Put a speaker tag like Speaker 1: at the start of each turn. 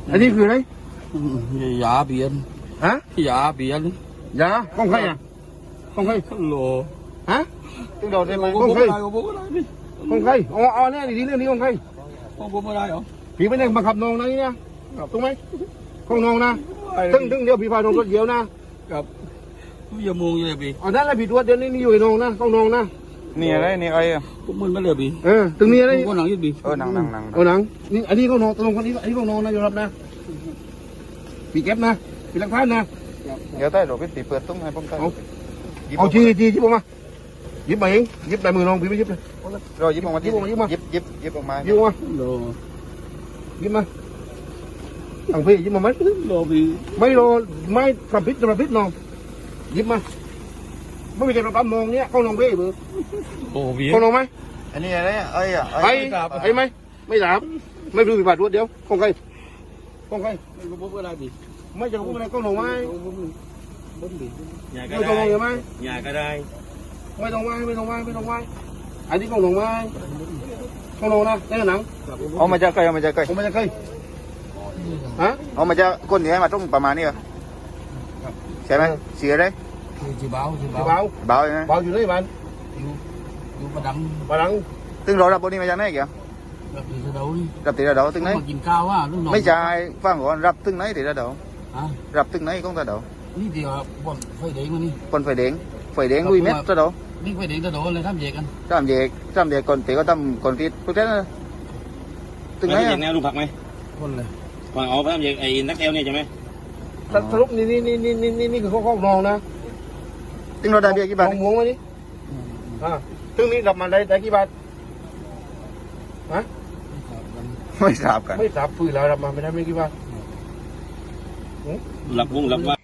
Speaker 1: อันนี้คืออะไร
Speaker 2: ยาเบียน
Speaker 1: ฮะ
Speaker 2: ยาเบียน
Speaker 1: ยาของใครอ่ะของใคร
Speaker 2: โล
Speaker 1: ฮะตึงโดดได้ไหม
Speaker 2: ข
Speaker 1: ข
Speaker 2: อ
Speaker 1: อง ง
Speaker 2: ผม
Speaker 1: ใคร
Speaker 2: อะไรของผมอะไรพี่
Speaker 1: ของใครอ๋อเนี่ยดีเรื่องนี้ของใคร
Speaker 2: ของผมอะไรเหรอ
Speaker 1: ผีไม่ได้บังคับน้องนะนี่นะถูกไหมของน้องนะตึงเดี๋ยวผีพาน้องรถเดียวนะครับ
Speaker 2: อย่ามองเลยพี่
Speaker 1: อ๋อนั่นแหละผีตัวเดียวนี่อยู่ในน้องนะของน้องนะ
Speaker 3: นี่อะไรนี่ไอ้อะ
Speaker 2: ผมมันไม่เลยพี่
Speaker 1: ตึงนี้อะไร
Speaker 2: ผมก็หนังยืดพี่
Speaker 3: หนัง
Speaker 1: เอาหนังนี่อันนี้ของน้องตกลงคนนี้อันนี้ของน้องนะยอมรับนะผีเก็บนะผีหลักฐานนะ
Speaker 3: เดี๋ยวใต้โหลพี่ตีเปิดตุ้งให้ผมใต้
Speaker 1: เอาชี้ผมมาหยิบมาเองหยิบในมือน้องผีไม่หยิบเลย
Speaker 3: เราหยิบออกมา
Speaker 1: หยิบออกมาหยิบมา
Speaker 3: หยิบออกมา
Speaker 1: หยิบมา
Speaker 2: โล
Speaker 1: หยิบมาอังพี่หยิบมาไหม
Speaker 2: โลพี่
Speaker 1: ไม่รอไม่ทำพิษน้องหยิบมาไม่มีใครรับน้องเนี้ยเข้าน้องเบ้เบอร์
Speaker 2: โอ้พี่
Speaker 1: เข้าน้องไหม
Speaker 3: อันนี้อะไรไอ้อะ
Speaker 1: ไอ้ไหมไม่ถามไม่รู้ผิดพลาดรวดเดียวของใครของใคร
Speaker 2: ของผมอะไรพี่
Speaker 1: ไม่จะพูดอะไรเข้าน้องไหม
Speaker 2: บนพี่
Speaker 1: ไม่ต้องน้องไหม
Speaker 2: ยาก็ได้
Speaker 1: ไม่ต้องไหมอันนี้ของน้องไหมของน้องนะได้หนัง
Speaker 3: เอามาจากใครเอามาจากใคร
Speaker 1: ผมไม่จะเคยฮะ
Speaker 3: เอามาจากคนที่ให้มาตุ้งประมาณนี้เหรอใช่ไหมเสียเลย
Speaker 2: คือจีเบา
Speaker 1: เบา
Speaker 3: เบาใช่ไหม
Speaker 1: เบาอยู่นี่มัน
Speaker 2: อยู่ประดัง
Speaker 1: บาลัง
Speaker 3: ตึงเรารับบนนี้มาจากไหนกี่
Speaker 2: แบบนี้จะโดน
Speaker 3: รับตีระเดาตึงไหน
Speaker 2: มากินข้าวว่าลูกน้อง
Speaker 3: ไม่ใช่ฟังก่อนรับตึงไหนตีระเดา
Speaker 2: ฮะ
Speaker 3: รับตึงไหนของระเดา
Speaker 2: นี่เดียวบนไฟแดงมานี่
Speaker 3: คนไฟแดงลุยเม็ดระเดา
Speaker 2: นี่ไฟแดงจะโดนเลยทำเยกัน
Speaker 3: ทำเด็กคนตีก็ทำคนตีพวกนั้นตึงไหน
Speaker 4: อย่างแนวลูกผักไหม
Speaker 2: คนเลย
Speaker 4: ฝั่งเอาพระทำอย่างไอ้นักเอลเนี่ยใช่ไหม
Speaker 1: สรุปนี่คือข้อน้องนะ
Speaker 3: ตึงเราได้เบี้ยกี่บาท
Speaker 1: มองมานี่ซึ่งนี่ดับมาได้กี่บาทฮะ
Speaker 3: ไม่ทราบกัน
Speaker 1: ไม่สับฝืนแล้วดับมาไม่ได้ไม่กี่บาท
Speaker 4: หลับวงหลับว่า